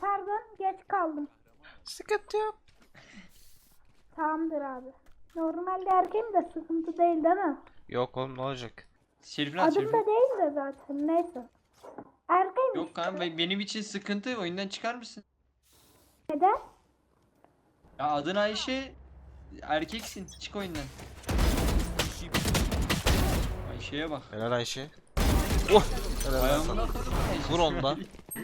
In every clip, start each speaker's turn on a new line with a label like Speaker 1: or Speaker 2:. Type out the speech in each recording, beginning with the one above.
Speaker 1: pardon geç kaldım.
Speaker 2: Sıkıntı yok.
Speaker 1: Tamamdır abi. Normalde erkeğim de sıkıntı değil değil mi?
Speaker 2: Yok oğlum ne olacak?
Speaker 3: Şerif'in at
Speaker 1: Adım
Speaker 3: Şerif'in.
Speaker 1: da değil de zaten neyse. Erkeğim
Speaker 3: Yok
Speaker 1: işte.
Speaker 3: kanka benim için sıkıntı, oyundan çıkar mısın?
Speaker 1: Neden?
Speaker 3: Ya adın Ayşe, erkeksin, çık oyundan. Ayşe'ye bak.
Speaker 2: Helal Ayşe. Oh! Helal lan sana.
Speaker 3: Ayağımda kalın Ayşe.
Speaker 2: Vur onda.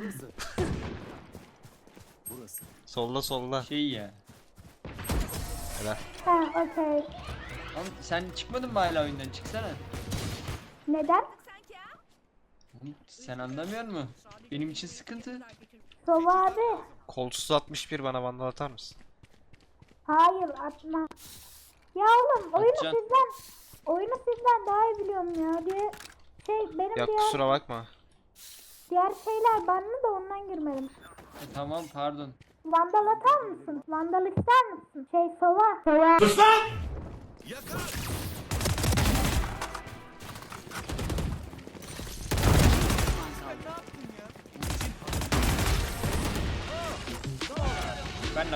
Speaker 4: Burası.
Speaker 2: Solla solla.
Speaker 3: Şey ya.
Speaker 2: Helal.
Speaker 1: Ha okey.
Speaker 3: Lan sen çıkmadın mı hala oyundan? Çıksana.
Speaker 1: Neden?
Speaker 3: Oğlum, sen anlamıyor musun? Benim için sıkıntı.
Speaker 1: Sova abi.
Speaker 2: Kolsuz 61 bana vandal atar mısın?
Speaker 1: Hayır atma. Ya oğlum
Speaker 3: Atacağım.
Speaker 1: oyunu sizden daha iyi biliyorum ya diye benim
Speaker 2: Ya
Speaker 1: diğer
Speaker 2: kusura bakma.
Speaker 1: şeyler banlı da ondan girmedim.
Speaker 3: Tamam pardon.
Speaker 1: Vandal atar mısın? Vandal ister misin? Sova. Sova.
Speaker 3: Ben de.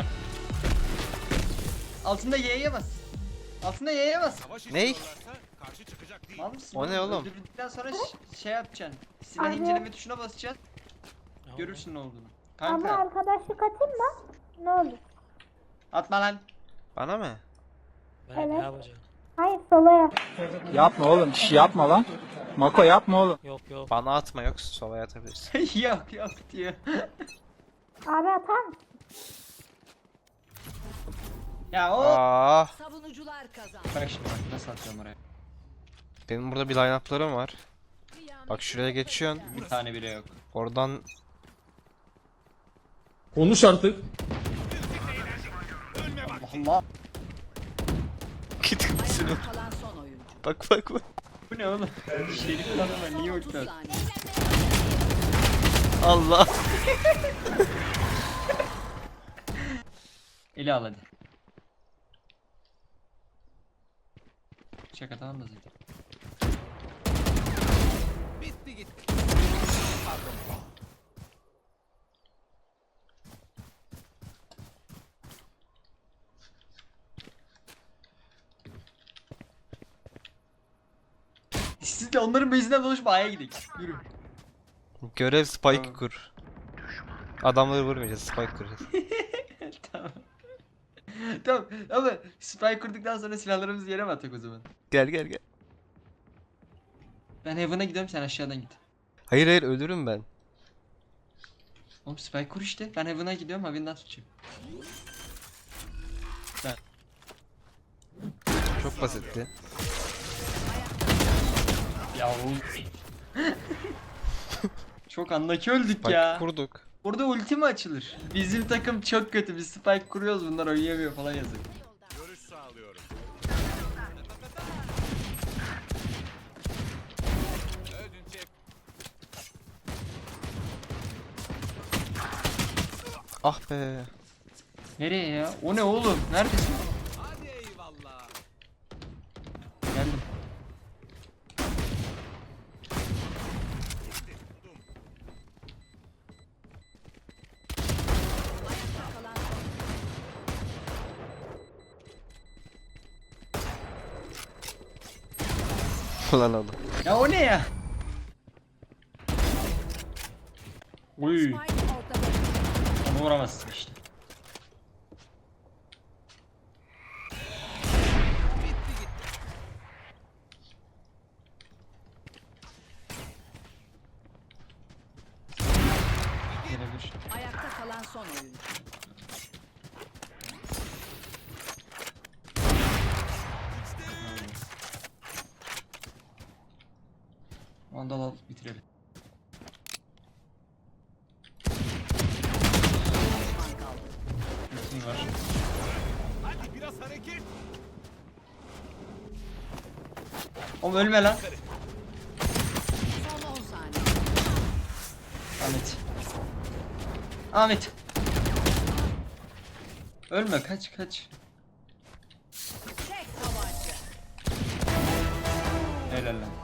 Speaker 3: Altında Y'ye bas. Altında Y'ye bas.
Speaker 2: Ney?
Speaker 3: Mal mısın?
Speaker 2: O ne oğlum?
Speaker 3: Öldürdükten sonra şey yapacaksın. Silah
Speaker 1: Abi.
Speaker 3: inceleme tuşuna basacaksın. Görürsün ne olduğunu.
Speaker 1: Ama
Speaker 3: Kanka
Speaker 1: arkadaşlık atayım mı? Ne olur?
Speaker 3: atma lan.
Speaker 2: Bana mı?
Speaker 5: Ben
Speaker 1: Evet.
Speaker 5: ne yapacağım?
Speaker 1: Hayır Sova'ya.
Speaker 6: Yapma oğlum, yapma lan. Mako yapma oğlum.
Speaker 5: Yok yok.
Speaker 2: Bana atma yok solaya atabilirsin.
Speaker 3: yok yok diyor.
Speaker 1: Abi atar mısın?
Speaker 3: Ya o.
Speaker 2: Aa,
Speaker 7: Savunucular kazandı.
Speaker 3: Bak şimdi bak nasıl atıyorum oraya.
Speaker 2: benim burada bir line-up'larım var. Bak şuraya geçiyorsun.
Speaker 3: Bir tane bile yok.
Speaker 2: Oradan
Speaker 4: Konuş artık.
Speaker 3: Allah.
Speaker 2: git
Speaker 7: Ayakta kalan son oyuncu.
Speaker 2: bak bak bak.
Speaker 3: Bu ne oğlum? Şerif'in adamı niye
Speaker 7: 30
Speaker 3: uçtu?
Speaker 7: saniye.
Speaker 2: Allah.
Speaker 3: Eli al hadi. Şaka tamam da zaten. Siz de onların base'inden dolaşıp A'ya gidelim. Yürü.
Speaker 2: Görev spike
Speaker 3: Tamam.
Speaker 2: kur. Adamları vurmayacağız, spike kuracağız.
Speaker 3: Tamam. Tamam ama spy kurduktan sonra silahlarımızı yere mi attık o zaman?
Speaker 2: Gel gel gel.
Speaker 3: Ben Heaven'a gidiyorum sen aşağıdan git.
Speaker 2: Hayır hayır ölürüm ben.
Speaker 3: Oğlum spy kur işte. Ben Heaven'a gidiyorum Heaven'dan tutacağım. Ben.
Speaker 2: Çok basitti.
Speaker 3: Ya oğlum. Çok andaki öldük
Speaker 2: Spike
Speaker 3: ya.
Speaker 2: kurduk.
Speaker 3: Burada ulti mi açılır? Bizim takım çok kötü. Biz spike kuruyoruz bunlar oynayamıyor falan yazıyor.
Speaker 4: Görüş sağlıyorum. Ödünç
Speaker 2: Ah be.
Speaker 3: Nereye ya? O ne oğlum? Neredesin?
Speaker 4: hadi eyvallah.
Speaker 3: Geldim.
Speaker 7: Ayakta kalan son
Speaker 2: Ulan oğlum.
Speaker 3: Ya o ne ya? Uy.
Speaker 7: Spike ortada.
Speaker 3: Onu vuramazsın işte. Gelebilir.
Speaker 7: Ayakta kalan son oyuncu.
Speaker 3: Vandal al bitirelim.
Speaker 7: Düşman kaldı.
Speaker 3: Ultim var.
Speaker 4: Hadi biraz hareket.
Speaker 3: Oğlum ölme lan.
Speaker 7: Son 10 saniye.
Speaker 3: Ahmet. Ahmet. Ölme kaç kaç.
Speaker 7: Tek tabanca.
Speaker 3: Helal lan.